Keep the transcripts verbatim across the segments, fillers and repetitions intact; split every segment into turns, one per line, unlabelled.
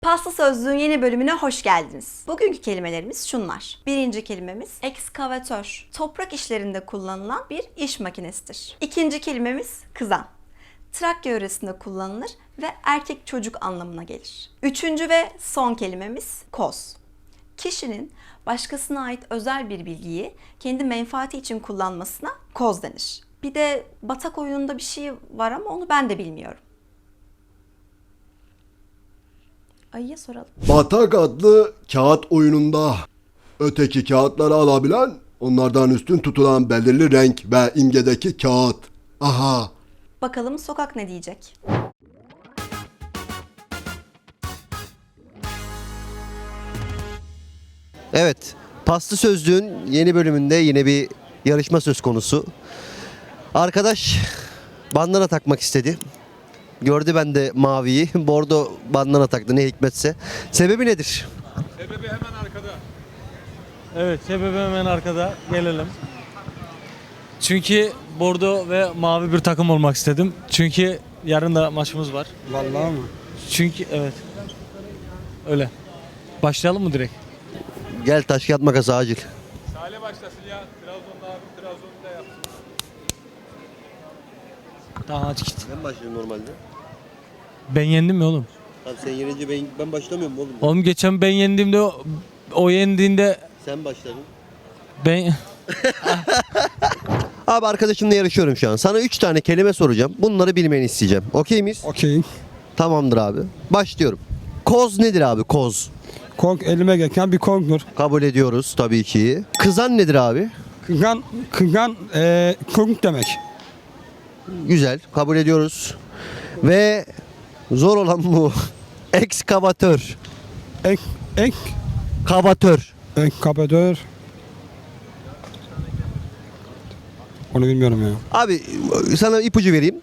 Pasta Sözlüğün yeni bölümüne hoş geldiniz. Bugünkü kelimelerimiz şunlar. Birinci kelimemiz ekskavatör. Toprak işlerinde kullanılan bir iş makinesidir. İkinci kelimemiz kızan. Trakya yöresinde kullanılır ve erkek çocuk anlamına gelir. Üçüncü ve son kelimemiz koz. Kişinin başkasına ait özel bir bilgiyi kendi menfaati için kullanmasına koz denir. Bir de batak oyununda bir şey var ama onu ben de bilmiyorum. Ayıya soralım.
Batak adlı kağıt oyununda öteki kağıtları alabilen, onlardan üstün tutulan belirli renk ve imgedeki kağıt. Aha.
Bakalım sokak ne diyecek?
Evet, Pasta Sözlüğün yeni bölümünde yine bir yarışma söz konusu. Arkadaş bandana takmak istedi. Gördü ben de maviyi, bordo bandana taktı ne hikmetse. Sebebi nedir?
Sebebi hemen arkada. Evet, sebebi hemen arkada. Gelelim. Çünkü bordo ve mavi bir takım olmak istedim. Çünkü yarın da maçımız var.
Vallahi mı?
Çünkü evet. Öyle. Başlayalım mı direkt?
Gel taş kağıt makas acil.
Salih başlasın ya. Trabzon'da abi Trabzon'da yapsın. Tamam hadi git.
Ben başlıyorum normalde.
Ben yendim mi oğlum?
Abi sen yenince ben, ben başlamıyorum oğlum.
Oğlum geçen ben yendiğimde o, o yendiğinde
Sen başladın.
ben
Abi arkadaşımla yarışıyorum şu an. Sana üç tane kelime soracağım. Bunları bilmeni isteyeceğim. Okey miyiz?
Okey.
Tamamdır abi. Başlıyorum. Koz nedir abi koz?
Kong elime geçen bir kongdur.
Kabul ediyoruz tabii ki. Kızan nedir abi?
Kıgan, kıgan eee kong demek.
Güzel. Kabul ediyoruz. Ve zor olan bu. Ekskavatör.
Ek, ek,
Kavatör.
ek kapatör. Onu bilmiyorum ya.
Abi sana ipucu vereyim.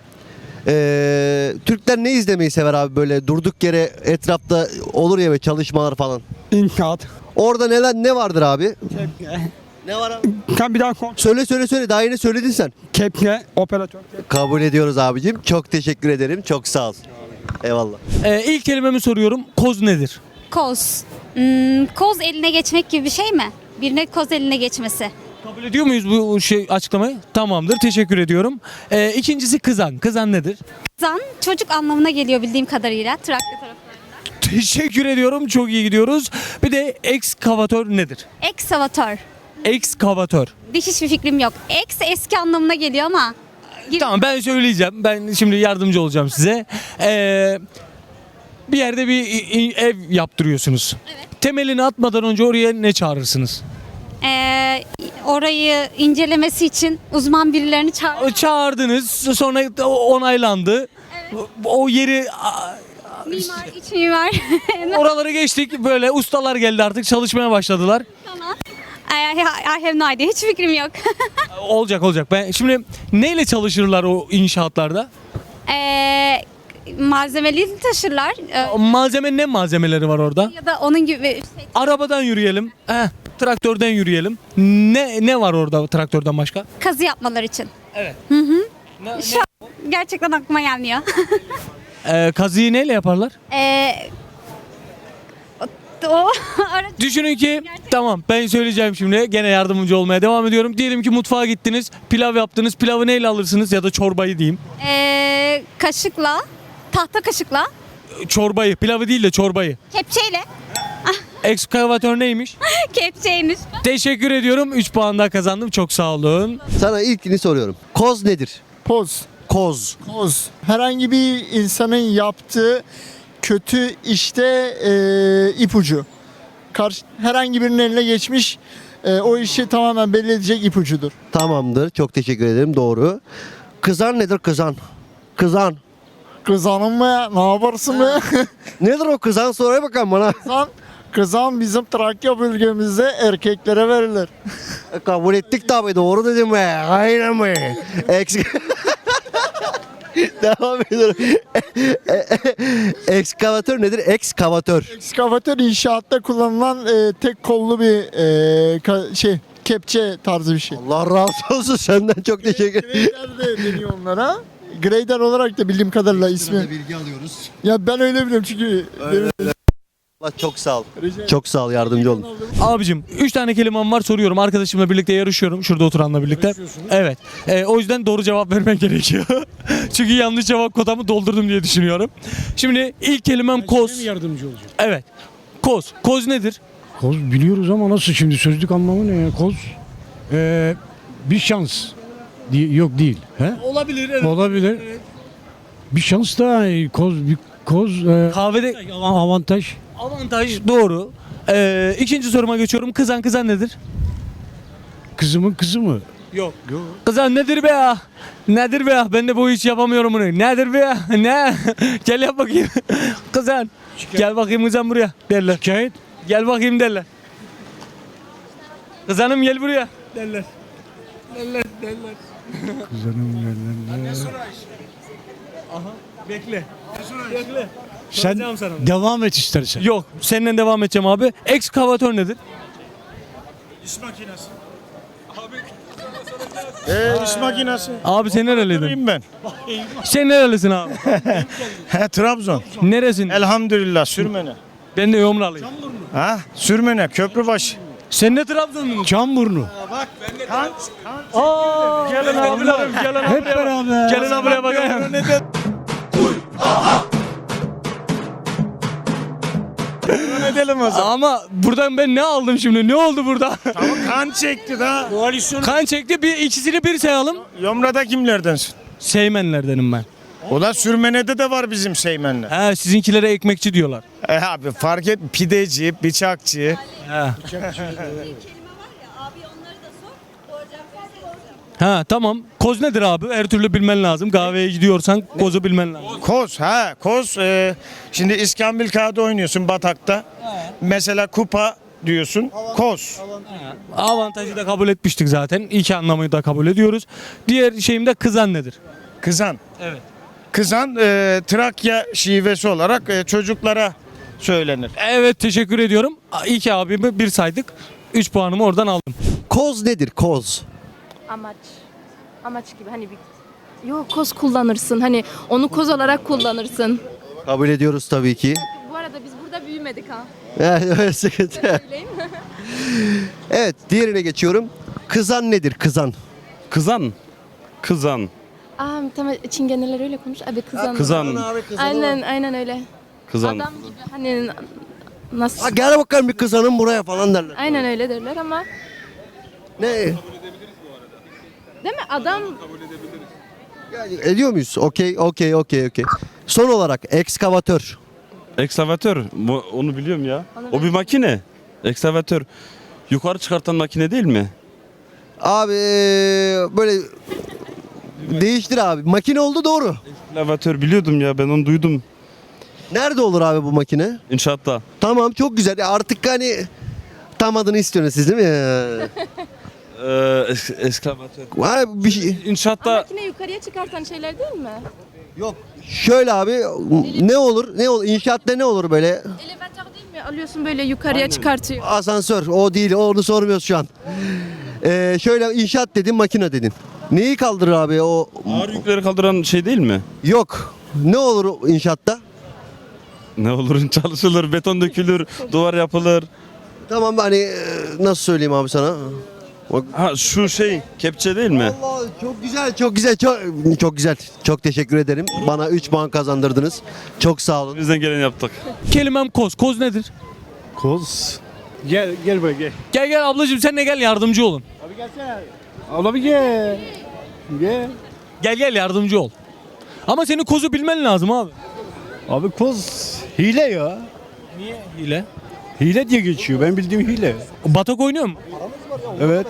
Ee, Türkler ne izlemeyi sever abi böyle durduk yere etrafta olur ya ve çalışmalar falan.
İnşaat.
Orada neler ne vardır abi?
Kepke.
Ne var abi?
Kan bir daha kong.
Söyle söyle söyle daha yeni söyledin sen.
Kepke, operatör.
Kabul ediyoruz abicim. Çok teşekkür ederim. Çok sağ ol. Eyvallah.
Ee, ilk kelimemi soruyorum. Koz nedir?
Koz. Hmm, koz eline geçmek gibi bir şey mi? Birine koz eline geçmesi.
Kabul ediyor muyuz bu şey açıklamayı? Tamamdır. Teşekkür ediyorum. Ee, ikincisi kızan. Kızan nedir?
Kızan çocuk anlamına geliyor bildiğim kadarıyla. Trakya taraflarında.
Teşekkür ediyorum. Çok iyi gidiyoruz. Bir de ekskavatör nedir?
Ekskavatör.
Ekskavatör.
Diş hiçbir fikrim yok. Eks eski anlamına geliyor ama. Gibi.
Tamam ben söyleyeceğim. Ben şimdi yardımcı olacağım size. Ee, bir yerde bir i- i- ev yaptırıyorsunuz. Temelini atmadan önce oraya ne çağırırsınız?
Ee, orayı incelemesi için uzman birilerini çağır.
Çağırdınız. Sonra onaylandı. O yeri
Mimar, iç mimar.
oraları geçtik. Böyle ustalar geldi artık çalışmaya başladılar.
Tamam. I, I have no idea. Hiç fikrim yok.
Olacak olacak. Ben şimdi neyle çalışırlar o inşaatlarda?
ee, malzemeli taşırlar. Ee,
Malzeme ne malzemeleri var orada?
ya da onun gibi şey,
Arabadan yürüyelim. Heh, traktörden yürüyelim. Ne ne var orada traktörden başka?
kazı yapmaları için.
Evet. Ne,
Şu an gerçekten aklıma gelmiyor.
Ee, kazıyı neyle yaparlar?
Ee, o, o ara-
Düşünün ki tamam ben söyleyeceğim şimdi gene yardımcı olmaya devam ediyorum. Diyelim ki mutfağa gittiniz, pilav yaptınız. Pilavı neyle alırsınız ya da çorbayı diyeyim.
ee, kaşıkla, tahta kaşıkla,
Çorbayı, pilavı değil de çorbayı.
kepçeyle,
Ekskavatör neymiş?
kepçeymiş.
Teşekkür ediyorum. üç puan daha kazandım. Çok sağ olun.
Sana ilkini soruyorum. Koz nedir?
Poz,
Koz.
poz. Herhangi bir insanın yaptığı kötü işte e, ipucu. Karşı, herhangi birinin eline geçmiş e, o işi tamamen belli edecek ipucudur.
Tamamdır. Çok teşekkür ederim. Doğru. Kızan nedir kızan? Kızan.
Kızanın mı? Ne yaparsın mı?
Nedir o kızan? Sonra bakalım bana.
Kızan, kızan bizim Trakya bölgemizde erkeklere verilir.
Kabul ettik tabii. Doğru dedim be. Aynen mi? Eks... Devam ediyorum. Ekskavatör nedir? Ekskavatör.
Ekskavatör inşaatta kullanılan e, tek kollu bir e, ka- şey kepçe tarzı bir şey.
Allah razı olsun senden çok teşekkür ederim.
Grader de deniyor onlara. Grader olarak da bildiğim kadarıyla ismi.
Bilgi alıyoruz.
Ya ben öyle biliyorum çünkü benim
Eyvallah, çok sağ ol. Çok sağ ol, yardımcı olun.
Abicim üç tane kelimem var, soruyorum. Arkadaşımla birlikte yarışıyorum. Şurada oturanla birlikte. Evet. Ee, o yüzden doğru cevap vermen gerekiyor. Çünkü yanlış cevap kotamı doldurdum diye düşünüyorum. Şimdi ilk kelimem koz.
Yardımcı olacak.
Evet. Koz. Koz nedir?
Koz biliyoruz ama nasıl şimdi sözlük anlamı ne ya? Koz ee, bir şans. Di- Yok değil. He?
Olabilir. Evet.
Olabilir. Bir şans da e, koz bir koz e,
Kahvede
avantaj.
avantaj doğru. Ee, ikinci soruma geçiyorum. Kızan kızan nedir?
Kızımın kızı mı?
Yok. Kızan nedir be ya? Nedir be ya? Ben de bu iş yapamıyorum bunu. Nedir be ya? Ne? Gel yap bakayım. Kızan. Gel bakayım kızan buraya derler.
Şikayet.
Gel bakayım derler. Kızanım gel buraya derler. Derler derler.
Kızanım yerlerinde.
Aha bekle. Bekle.
Sen
Soracağım sana.
devam et istersen.
Yok senden devam edeceğim abi. Ekskavatör nedir?
İş makinesi. Ee, iş makinesi.
Abi sen nereliydin?
Durayım ben.
Sen nerelisin abi?
He, Trabzon.
Neresin?
Elhamdülillah Sürmene.
Ben de Yomralıyım.
Ha? Sürmene, Köprübaşı.
Sen de Trabzonlusun.
Çamburnu.
Aa, gelin abilerim, gelin abilerim.
Hep beraber.
Gelin abiye bakayım.
Ne edelim o zaman?
Ama buradan ben ne aldım şimdi? Ne oldu burada?
Tamam, kan çekti da. Koalisyon.
Kan çekti. Bir ikisini bir sayalım.
Yomra'da kimlerdensin?
Seymenlerdenim ben.
O da Sürmene'de de var bizim Seymenler.
He sizinkilere ekmekçi diyorlar.
E abi fark et, pideci, bıçakçı.
He. Ha tamam. Koz nedir abi? Her türlü bilmen lazım. Kahveye gidiyorsan kozu bilmen lazım.
Koz ha koz. E, şimdi İskambil kağıdı oynuyorsun batakta. Mesela kupa diyorsun. Koz.
Avantajı da kabul etmiştik zaten. İki anlamı da kabul ediyoruz. Diğer şeyim de kızan nedir?
Kızan.
Evet.
Kızan e, Trakya şivesi olarak e, çocuklara söylenir.
Evet teşekkür ediyorum. İki abimi bir saydık. Üç puanımı oradan aldım.
Koz nedir, koz?
Amaç. Amaç gibi hani bir... Yok koz kullanırsın. Hani onu koz olarak kullanırsın.
Kabul ediyoruz tabii ki.
Bu arada biz burada büyümedik ha.
Evet, sıkıntı.
Söyleyeyim.
Evet, diğerine geçiyorum. Kızan nedir, kızan?
Kızan. Kızan.
Aa tamam Çingeneler öyle konuş. Abi kızan.
Kızan.
Aynen aynen öyle.
Kızan.
Adam gibi hani nasıl?
Ha, gel bakalım bir kızanın buraya falan derler.
Aynen öyle derler ama
Ne?
değil mi? Adam
Yani ediyor muyuz? Okey, okey, okey, okey. Son olarak ekskavatör.
Ekskavatör. Bu- Onu biliyorum ya. O bir makine. Ekskavatör. Yukarı çıkartan makine değil mi?
Abi böyle değiştir abi. Makine oldu doğru.
Ekskavatör biliyordum ya, ben onu duydum.
Nerede olur abi bu makine?
İnşaatta.
Tamam, çok güzel. Artık hani tam adını istiyorsunuz siz değil mi?
Ee, es- ekskavatör.
Var bir şey.
İnşaatta
makine yukarıya çıkartan şeyler değil mi?
Yok. Şöyle abi ne olur? Ne olur? İnşaatta ne olur böyle?
Elevatör değil mi? Alıyorsun böyle yukarıya çıkartıyor.
Asansör. O değil. Onu sormuyoruz şu an. Ee, şöyle inşaat dedin, makine dedin. Neyi kaldırır abi o?
ağır yükleri kaldıran şey değil mi?
Yok. Ne olur inşaatta?
Ne olur, çalışılır, beton dökülür, duvar yapılır.
Tamam hani e, nasıl söyleyeyim abi sana? Bak.
Ha şu şey kepçe değil mi?
Allah çok güzel, çok güzel, çok çok güzel. Çok teşekkür ederim. Bana üç puan kazandırdınız. Çok sağ olun.
Bizden gelen yaptık.
Kelimem koz. Koz nedir?
Koz. Gel gel buraya gel.
Gel gel ablacığım sen de gel yardımcı olun.
Abla bir gel. Gel.
Gel gel yardımcı ol. Ama senin kozu bilmen lazım abi.
Abi koz hile ya.
Niye hile?
Hile diye geçiyor. Ben bildiğim hile.
Batak oynuyor mu?
Evet.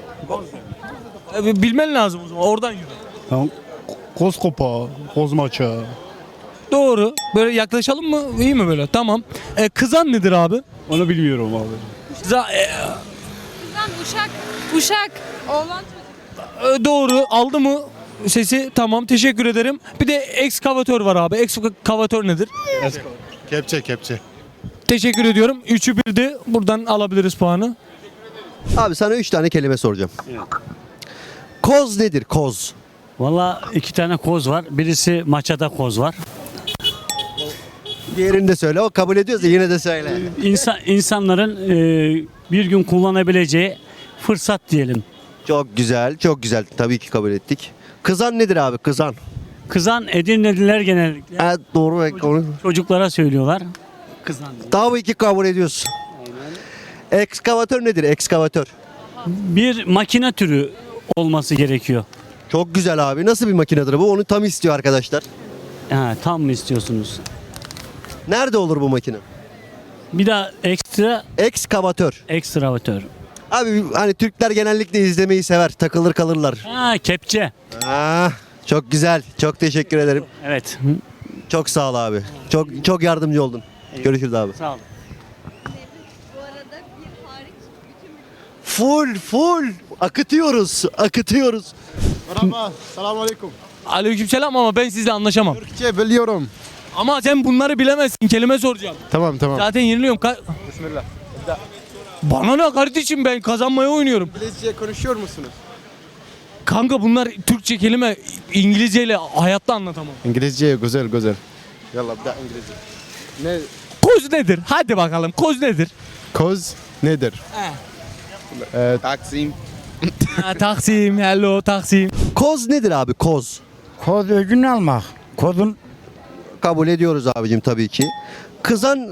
E, Bilmen lazım o zaman oradan yürü.
Tamam. Koz kopa, koz maça.
Doğru. Böyle yaklaşalım mı? İyi mi böyle? Tamam. E, kızan nedir abi?
Onu bilmiyorum abi.
Za- e,
Kızan uşak. Uşak. Oğlan çocuk.
e, doğru. Aldı mı sesi? Tamam. Teşekkür ederim. Bir de ekskavatör var abi. Ekskavatör nedir?
Kepçe kepçe.
Teşekkür ediyorum. Üçü birdi. Buradan alabiliriz puanı.
Abi sana üç tane kelime soracağım. Koz nedir, koz?
Valla iki tane koz var. Birisi maçada koz var.
Diğerini de söyle. O kabul ediyorsa yine de söyle.
İnsan, insanların e, bir gün kullanabileceği fırsat diyelim.
Çok güzel, çok güzel. Tabii ki kabul ettik. Kızan nedir abi? Kızan.
Kızan Edirneliler genellikle
Ha, doğru. Çocuk. Onu...
çocuklara söylüyorlar. Kızan diye.
Tabii ki kabul ediyorsun. Ekskavatör nedir? Ekskavatör.
Bir makine türü olması gerekiyor.
Çok güzel abi. Nasıl bir makinedir bu? Onu tam istiyor arkadaşlar.
Ha, tam mı istiyorsunuz?
Nerede olur bu makine?
Bir daha ekstra
Ekskavatör.
ekstravatör.
Abi hani Türkler genellikle izlemeyi sever. Takılır kalırlar.
Ha, kepçe.
Ah, çok güzel. Çok teşekkür ederim.
Evet.
Çok sağ ol abi. Çok çok yardımcı oldun. Görüşürüz abi.
Sağ olun.
Full full akıtıyoruz. Akıtıyoruz.
Merhaba, selamun aleyküm.
Aleykümselam ama ben sizle anlaşamam.
Türkçe biliyorum.
Ama sen bunları bilemezsin. Kelime soracağım.
Tamam tamam.
Zaten yeniliyorum. Ka-
Bismillah.
Bana ne kardeşim, ben kazanmaya oynuyorum.
İngilizce konuşuyor musunuz?
Kanka bunlar Türkçe kelime, İngilizceyle hayatta anlatamam.
İngilizce güzel güzel. Yallah bir daha İngilizce. Ne?
Koz nedir? Hadi bakalım, koz nedir?
Koz nedir?
He.
Ee, Taksim.
Ha, Taksim, hello Taksim.
Koz nedir abi? Koz.
Koz öcünü almak. Kozun
Kabul ediyoruz abicim tabii ki. Kızan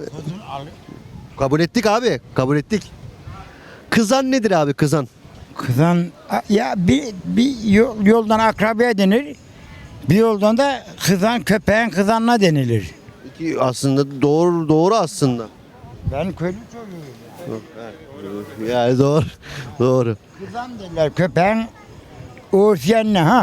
kabul ettik abi. Kabul ettik. Kızan nedir abi? Kızan.
kızan ya bir, bir yol- yoldan akrabaya denir. Bir yoldan da kızan köpeğin kızanına denilir.
Ki aslında doğru doğru aslında.
Ben köylü çocuğuyum.
Yani doğru. Doğru.
Kızan derler köpeğin uğursiyenine ha.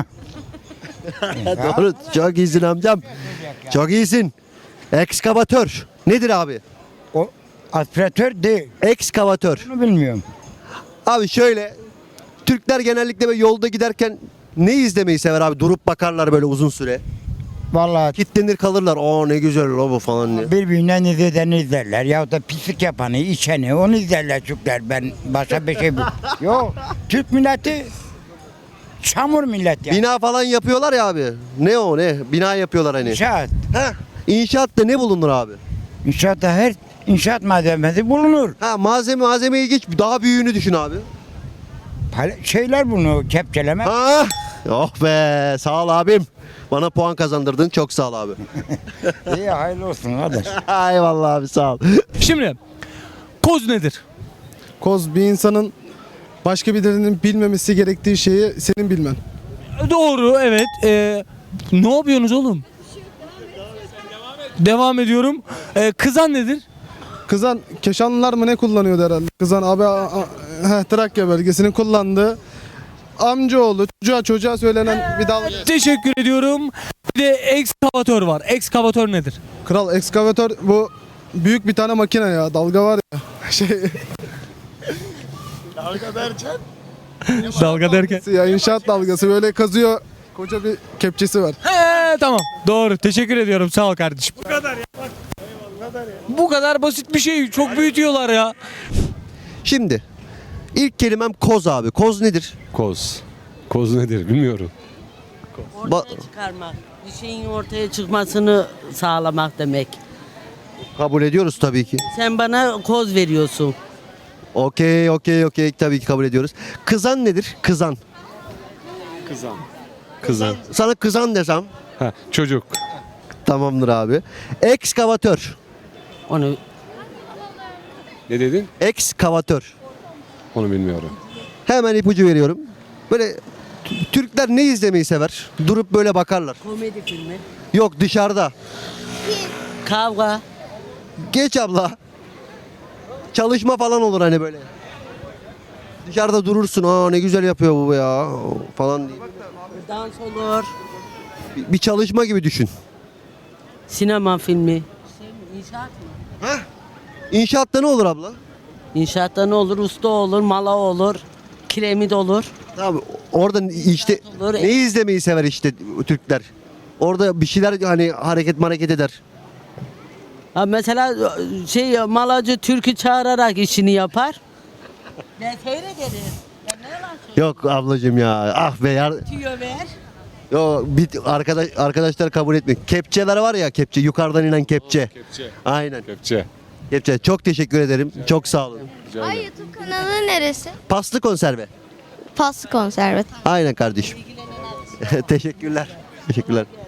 Doğru. Çok iyisin amcam. Çok iyisin. Ekskavatör. Nedir abi?
O aspiratör değil.
Ekskavatör.
Bunu bilmiyorum.
Abi şöyle. Türkler genellikle böyle yolda giderken ne izlemeyi sever abi? Durup bakarlar böyle uzun süre.
Vallahi
Kitlenir kalırlar. Aa ne güzel o bu falan diye.
birbirinden izledeni izlerler. Ya da pislik yapanı, içeni onu izlerler Türkler. Ben başka bir şey bu. Yok. Türk milleti çamur millet ya.
Bina falan yapıyorlar ya abi. Ne o ne? Bina yapıyorlar hani.
İnşaat.
Heh. İnşaatta ne bulunur abi?
İnşaatta her inşaat malzemesi bulunur.
Ha malzeme malzemeyi geç daha büyüğünü düşün abi.
Pal- Şeyler bunu kepçeleme.
Ha? Oh be sağ ol abim. Bana puan kazandırdın çok sağ ol abi.
İyi hayırlı olsun kardeş.
Eyvallah abi sağ ol.
Şimdi koz nedir?
Koz bir insanın başka birinin bilmemesi gerektiği şeyi senin bilmen.
Doğru, evet. Ee, ne yapıyorsunuz oğlum? Devam ediyorum. Ee, kızan nedir?
Kızan Keşanlılar mı ne kullanıyordu herhalde? Kızan abi a, a, heh, Trakya bölgesinin kullandığı amcaoğlu çocuğa çocuğa söylenen bir dalga.
Teşekkür ediyorum. Bir de ekskavatör var. Ekskavatör nedir?
Kral ekskavatör bu büyük bir tane makine ya dalga var ya. Şey
Dalga derken.
ya inşaat dalgası böyle kazıyor koca bir kepçesi var.
He, tamam. Doğru. Teşekkür ediyorum. Sağ ol kardeşim. Bu kadar ya. Bu kadar basit bir şey. Çok büyütüyorlar ya.
Şimdi ilk kelimem koz abi. Koz nedir?
Koz. Koz nedir bilmiyorum.
Ba-
Çıkarmak, bir şeyin ortaya çıkmasını sağlamak demek.
kabul ediyoruz tabii ki.
Sen bana koz veriyorsun.
Okey okey okey tabii ki kabul ediyoruz. Kızan nedir? Kızan.
Kızan. Kızan.
Sana kızan desem
Ha, çocuk.
tamamdır abi. Ekskavatör.
Onu
Ne dedin?
Ekskavatör.
Onu bilmiyorum.
Hemen ipucu veriyorum. Böyle t- Türkler ne izlemeyi sever? Durup böyle bakarlar.
komedi filmi.
Yok dışarıda.
Kavga.
Geç abla. Çalışma falan olur hani böyle. Dışarıda durursun. Aa ne güzel yapıyor bu ya falan diye.
Dans olur.
Bir, bir çalışma gibi düşün.
Sinema filmi. İnşaat mı?
İnşaatta ne olur abla?
İnşaatta ne olur? Usta olur, mala olur, kiremit olur.
Tamam orada işte
Olur.
ne izlemeyi sever işte Türkler. Orada bir şeyler hani hareket hareket eder.
Ha mesela şey malacı türkü çağırarak işini yapar. Ben seyrederim. Ben ne yalan söyleyeyim?
Yok ablacığım ya. Ah be yar.
Tüyo ver.
Yo bir arkadaş arkadaşlar kabul etmiyor. Kepçeler var ya, kepçe, yukarıdan inen kepçe.
Kepçe.
Aynen.
Kepçe.
Kepçe. Çok teşekkür ederim. Çok sağ olun.
Ay YouTube kanalı neresi?
Paslı konserve.
Paslı konserve.
Aynen kardeşim. Teşekkürler. Teşekkürler.